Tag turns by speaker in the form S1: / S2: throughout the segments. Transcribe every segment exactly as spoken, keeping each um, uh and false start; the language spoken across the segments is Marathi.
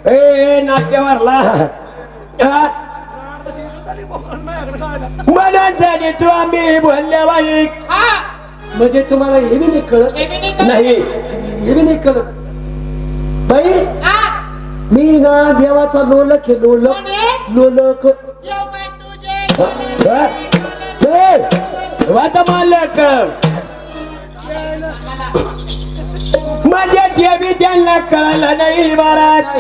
S1: ए नाट्यावरला मनासाठी तू आम्ही बोलल्या बाई
S2: म्हणजे तुम्हाला हे बी नाही कळत
S1: नाही
S2: हे बी नाही कळत बाई मी ना देवाचा लोलक आहे लोलक लोलक
S1: वाचा मालक म्हणजे ते बी त्यांना कळलं नाही महाराज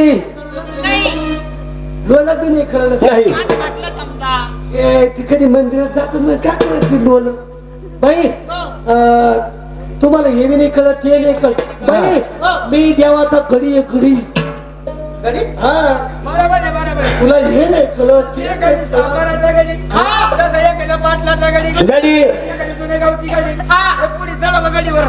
S2: लोलक बी नाही कळलं
S1: नाही
S2: ए ती कधी मंदिरात जात ना काय कळत ती लोलक बाई तुम्हाला हे बी नाही कळत ते नाही कळत बाई मी देवाचा गडी आहे गडी गडी हा
S3: बरोबर आहे बरोबर आहे.
S2: तुला हे नाही कळत
S3: हे काही सावकाराचा गडी जसं एक आहे पाटलाचा गडी
S1: गडी
S3: एखादी जुन्या गावची गडी हे पुढे चढा बा गडीवर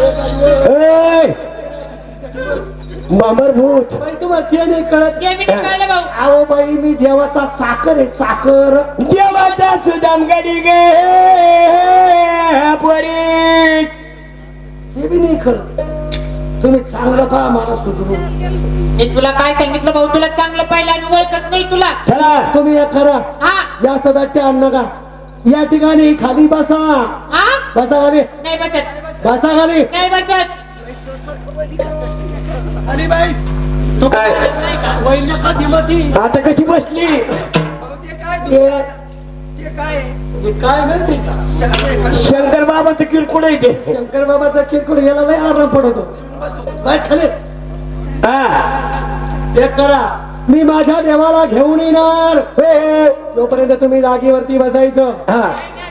S1: मामरभूत
S2: बाई तुम्हाला ते नाही कळत अहो बाई मी देवाचा चाकर आहे चाकर
S1: देवाचा सुदाम गडी गे पोरी
S2: हे बी नाही कळत तुम्ही चांगलं पहा मला सुधरू
S4: मी तुला काय सांगितलं भाऊ तुला चांगलं पाहिलं आणि ओळखत नाही तुला
S1: चला
S2: तुम्ही एक करा
S4: हा
S2: जास्त दाट्टे आण नका या ठिकाणी खाली बसा
S4: हा
S2: बसा खाली
S4: नाही बसत
S2: बसा खाली
S4: नाही बसत
S3: आणि बाई
S2: तू काय वैल्य कधी मधी
S1: आता कशी बसली
S3: अहो, ते काय
S2: हे
S3: ते काय आहे?
S2: हे काय माहिती का?
S1: शंकर बाबाचं किरकोळ आहे ते
S2: शंकर बाबाचा किरकोळ याला लय आराम पडतो बाय खाली
S1: हा
S2: एक करा मी माझ्या देवाला घेऊन येणार हो तोपर्यंत तुम्ही जागेवरती बसायचं
S1: हा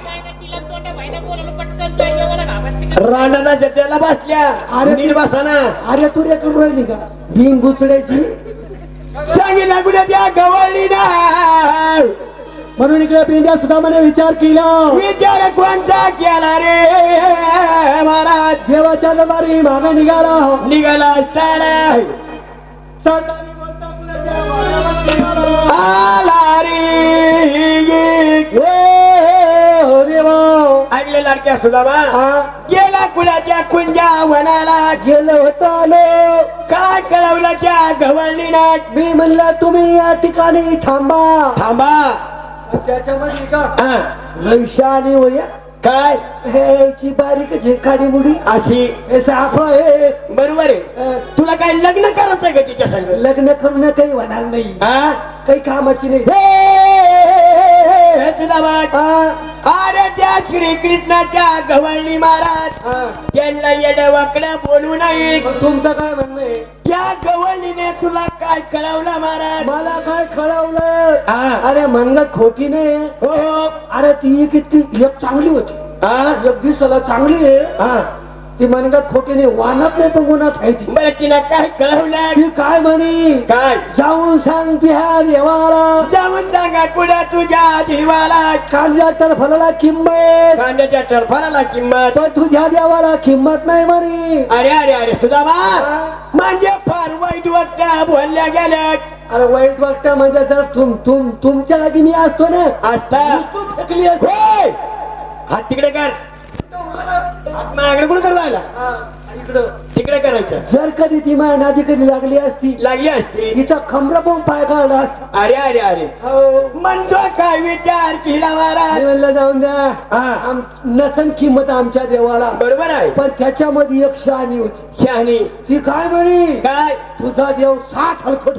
S1: राणाच्या त्याला बसल्या
S2: अरे
S1: नीट बसाना
S2: अरे तू रे करून राहिली का भिंग घुसड्याची
S1: सांगितलं कुठे त्या गवळली ना
S2: म्हणून इकडे पिंड्या सुद्धा म्हणे विचार केला
S1: विचार कोणता केला रे महाराज
S2: देवाच्या दरबारी मागे निघाला
S1: निघाला असताना
S2: सरदारी बोलता फुलाच्या वाड्यावर निघाला.
S1: आला रे
S2: हो देवा
S1: ऐकले लाडक्या सुदामा
S2: हा
S1: गेला कुणाच्या कुंजा वनाला
S2: गेलो होतो आलो
S1: काय कळवलं त्या गवळलीला
S2: मी म्हणलं तुम्ही या ठिकाणी थांबा
S1: थांबा
S2: त्याच्यामध्ये का
S1: हा,
S2: वैशाली होया
S1: काय
S2: हेची बारीक झेखाडी मुडी
S1: अशी
S2: हे साफा हे
S1: बरोबर आहे
S2: अं,
S1: तुला काय लग्न करायचंय का तिच्या संग
S2: लग्न करून काही होणार नाही
S1: हा
S2: काही कामाची नाही
S1: हे सुदामा
S2: हा,
S1: अरे त्या श्रीकृष्णाच्या गवळणी महाराज
S2: हा.
S1: त्यांना येड वाकड्या बोलू नये
S2: मग तुमचं काय म्हणणं आहे
S1: त्या गवळणीने तुला काय कळवलं महाराज
S2: मला काय कळवलं
S1: हा.
S2: अरे मनगत खोटी नाही
S1: हो
S2: अरे ती एक इतकी एक चांगली होती
S1: हा
S2: एक दिसाला चांगली आहे
S1: हा
S2: ती मनगत खोटी नाही वानत नाही पण गुणात आहे ती
S1: बरं तिला काय कळवलं
S2: ती काय म्हणे
S1: काय
S2: जाऊन सांग तुझ्या देवाला
S1: जाऊन सांगा कुठं तुझ्या देवाला
S2: कांद्या टरफलाला किंमत
S1: कांद्याच्या टरफाला किंमत
S2: पण तुझ्या देवाला किंमत नाही म्हणे
S1: अरे अरे अरे सुदामा म्हणजे फार वाईट वाटतं बोलल्या गेल्या
S2: अरे वाईट वाटत म्हणजे जर तुम तुम तुमच्या जागी मी असतो ना
S1: असता
S2: नुसतं फेकली असती.
S1: होय. हात तिकडे कर हात माझ्याकडे कुठे कर राहिला
S2: हा, इकडं
S1: तिकडे करायचं
S2: जर कधी ती माझ्या नादी कधी लागली असती
S1: लागली असती
S2: तिचा खंबरा पण पाय काढला असता
S1: अरे अरे अरे
S2: हो.
S1: म्हणतो काय विचार केला
S2: मी
S1: महाराज
S2: म्हणलं जाऊन द्या
S1: हा.
S2: आम- नसन किंमत आमच्या देवाला
S1: बरोबर आहे
S2: पण त्याच्यामध्ये एक शहाणी होती
S1: शहाणी
S2: ती काय म्हणे
S1: काय
S2: तुझा देव साठ हलकट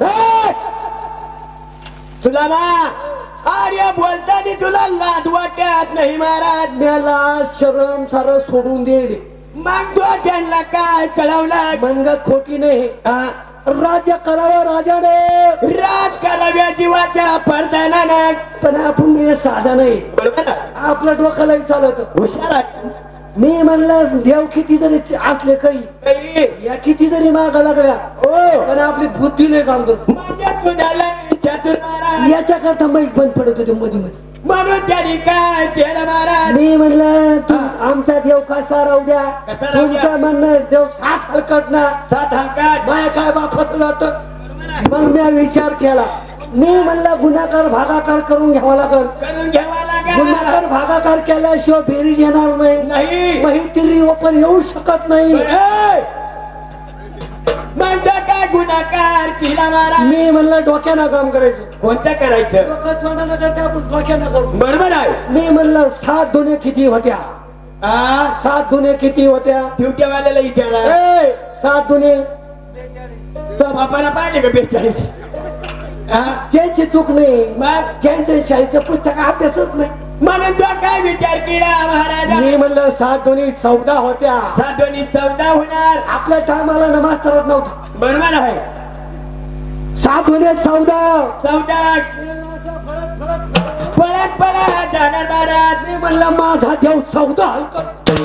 S1: सुदामा अरे बोलताना तुला लाज वाटत नाही महाराज
S2: मला शरम सारं सोडून दे
S1: मग तो त्यांना काय कळवलं
S2: मनगत खोटी नाही
S1: हा?
S2: राज्य करावं राजाने
S1: राज कराव्या जीवाच्या पडदानानं
S2: पण आपण हे साधा नाही
S1: बरोबर आहे.
S2: आपल्या डोक्यालाही चालत
S1: हुशार आहे.
S2: मी म्हणलं देव किती जरी असले काही
S1: काही
S2: या किती जरी मागा लागल्या
S1: हो
S2: पण आपली बुद्धी नाही काम करत
S1: म्हणजे तुझ्याला चतुर महाराज
S2: याच्या करता माईक बंद पडत होते मध्ये मध्ये
S1: म्हणून त्यांनी काय केलं महाराज
S2: मी म्हणलं तू आमचा देव कसा राहू द्या
S1: कसा राहू द्या?
S2: तुमचं म्हणणं देव साठ हलकट ना
S1: सात हलकाट
S2: माया काय बापाचं जात मग मी विचार केला मी म्हणलं गुन्हाकार भागाकार करून घ्यावा लागल
S1: करून घ्यावा लागेल
S2: गुन्हाकार भागाकार केल्याशिवाय बेरीज येणार नाही
S1: नाही
S2: माहिती ओपन येऊ शकत नाही
S1: म्हणतो काय गुन्हाकार केला महाराज
S2: मी म्हणलं डोक्यानं काम करायचं
S1: कोणतं करायचं
S2: डोकं तोंडानं करते आपण डोक्यानं करू
S1: बरोबर आहे
S2: मी म्हणलं सात दुने किती होत्या
S1: हा
S2: सात दुने किती होत्या
S1: ड्युटीवाल्याला विचारा
S2: ए, सात दुने
S1: तो बापाला पाहिले का बेचाळीस हा
S2: त्यांची चूक नाही
S1: मग
S2: त्यांच्या शाळेचं पुस्तक अभ्यासच नाही
S1: म्हणून तो काय विचार केला महाराजा
S2: मी म्हणलं सात दोन्ही चौदा होत्या
S1: सात दोन्ही चौदा होणार
S2: आपल्या टायमाला ना मास्तर होत नव्हता
S1: बरोबर आहे
S2: सात दोन्ही चौदा
S1: चौदा पळत पळत जाणार महाराज
S2: मी म्हणलं माझा देव चौदा हलतो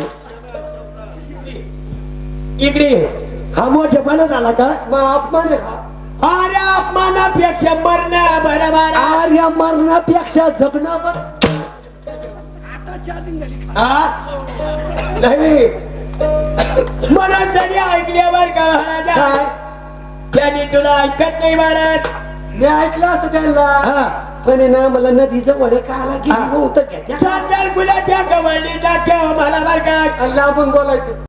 S1: इकडे हा मोठेपणा झाला का
S2: मग अपमान आहे का
S1: अरे अपमानापेक्षा मरणं बरं महाराज
S2: आर्या मरणापेक्षा जगणं बरं. आता चार्जिंग झाली का?
S1: हा नाही म्हणून जरी ऐकल्यावर का महाराजा
S2: काय
S1: त्यांनी तुला ऐकत नाही महाराज
S2: मी ऐकलं असतं त्यांना
S1: हा
S2: पण आहे ना मला नदीचं वडे खायला गेली
S1: हा.
S2: नव्हतं घ्या
S1: चांदल गुलाच्या कवळली दाखव मला बर का
S2: लांबून बोलायचं